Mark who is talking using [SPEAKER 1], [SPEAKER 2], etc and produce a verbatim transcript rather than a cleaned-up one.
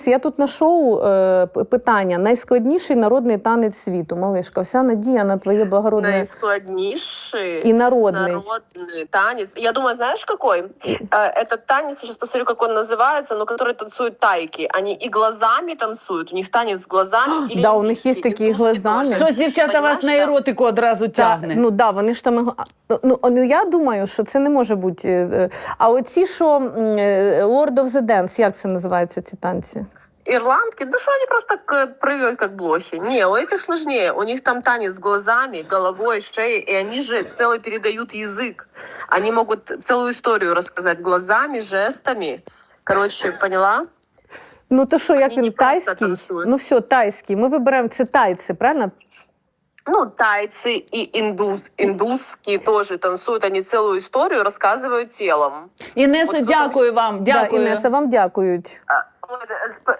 [SPEAKER 1] Я тут на шоу е, питання. Найскладніший народний танець світу. Малишка, вся надія на твоє благородне...
[SPEAKER 2] Наискладнейший
[SPEAKER 1] и народный.
[SPEAKER 2] народный танец. Я думаю, знаешь, какой? Этот танец, сейчас посмотрю, как он называется, но который танцуют тайки. Они и глазами танцуют, у них танец с глазами. Или
[SPEAKER 1] Да, у них є
[SPEAKER 2] индийский,
[SPEAKER 1] такі
[SPEAKER 2] индусский
[SPEAKER 1] глазами.
[SPEAKER 2] тоже.
[SPEAKER 3] Щось дівчата вас
[SPEAKER 2] Понимаешь,
[SPEAKER 3] на
[SPEAKER 2] да?
[SPEAKER 3] еротику одразу тягне.
[SPEAKER 1] Ну, да, вони ж там... Ну, ну, я думаю, що це не може бути... е, А оці, що м, е, Lord of the Dance, як це називається, ці танці?
[SPEAKER 2] Ирландки, да что они просто к- прыгают как блохи. Не, у этих сложнее. У них там танец с глазами, головой, шеей, и они же целый передают язык. Они могут целую историю рассказать глазами, жестами. Короче, поняла?
[SPEAKER 1] Ну, то що, як
[SPEAKER 2] Вони
[SPEAKER 1] він,
[SPEAKER 2] не просто
[SPEAKER 1] тайський?
[SPEAKER 2] танцюють.
[SPEAKER 1] Ну, все, тайський. Ми вибираємо, це тайці, правильно?
[SPEAKER 2] Ну, тайцы и индус, индусские тоже танцуют. Они целую историю рассказывают телом.
[SPEAKER 3] Інеса,
[SPEAKER 2] От тут
[SPEAKER 3] дякую вам.
[SPEAKER 1] Да,
[SPEAKER 3] Дякую.
[SPEAKER 1] Інеса, вам дякують.
[SPEAKER 2] А, вот, э, сп-